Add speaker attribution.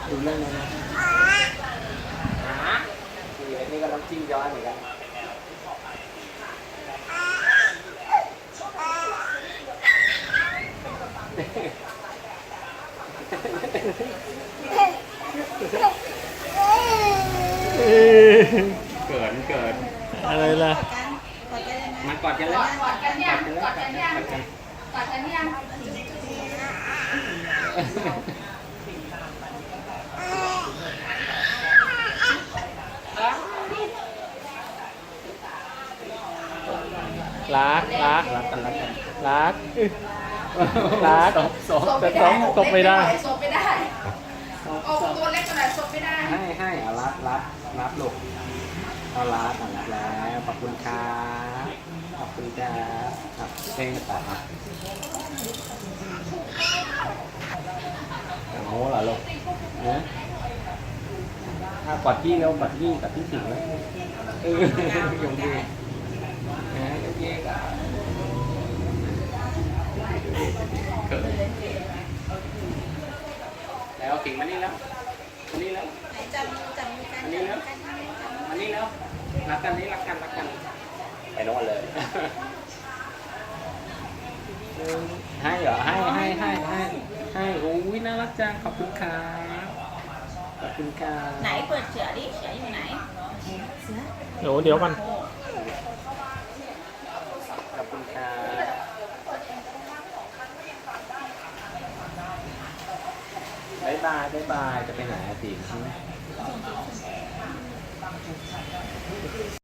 Speaker 1: ดูเรื่องนั้นนะนี่ก็น้ำจิ้มย้อนเหมือนกันเกิน
Speaker 2: อะไรล่ะ
Speaker 1: มากอดกันแล้ว
Speaker 3: กอดกันยังกอดกันยังกอดกันยัง
Speaker 2: รัก
Speaker 1: รักกัน
Speaker 2: รักแต่ต้องตกไม่ได้
Speaker 3: ซบไม่ได้โอ้ตัวเล็กขนาดซบไม่ได้
Speaker 1: ให้เอารับลูกเอารับแล้วขอบคุณครับขอบคุณจ้าเพลงต่อครับโอ้โหเหรอลูกนะถ้ากอดพี่แล้วกอดพี่สิงแล้วยงดีนะยงดีก็เกิดแล้วสิงมานี่แล้วมานี่แล้ว
Speaker 3: จับกัน
Speaker 1: อันนี้แล้วรักกันไปโน่นเลยให้เหรอให้โอ้ยน่ารักจังขอบคุณครับขอบคุณครับ
Speaker 3: ไหนเปิดเสือดิเสืออยู่ไหนเสือ
Speaker 2: เดี๋ยวกัน
Speaker 1: ขอบคุณครับบ๊ายบายจะไปไหนสิ